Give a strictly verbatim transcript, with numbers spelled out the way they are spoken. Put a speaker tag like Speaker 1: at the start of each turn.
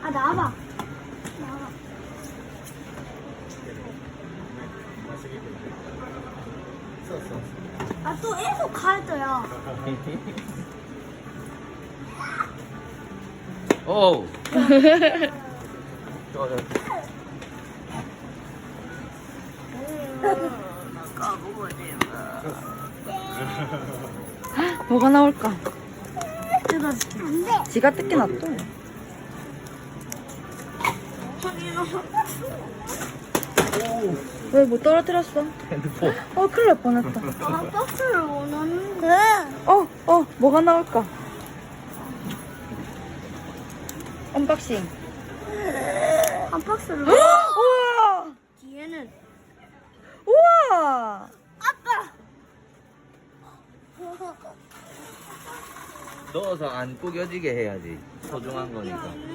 Speaker 1: 아, 나와봐. 나와봐. 아, 또 계속 가져야.
Speaker 2: 오. 좋아, 좋아.
Speaker 3: 뭐가 나올까?
Speaker 1: 이거 안 돼.
Speaker 3: 지가 뜯게 놔둬. 왜 못 떨어뜨렸어?
Speaker 2: 핸드폰.
Speaker 3: 어, 큰일 날 뻔했다.
Speaker 1: 아, 박스를 원하는데.
Speaker 3: 어, 어, 뭐가 나올까? 언박싱.
Speaker 1: 한 박스를.
Speaker 3: 우와!
Speaker 1: 뒤에는.
Speaker 3: 우와!
Speaker 1: 아빠!
Speaker 2: 넣어서 안 구겨지게 해야지. 소중한 거니까.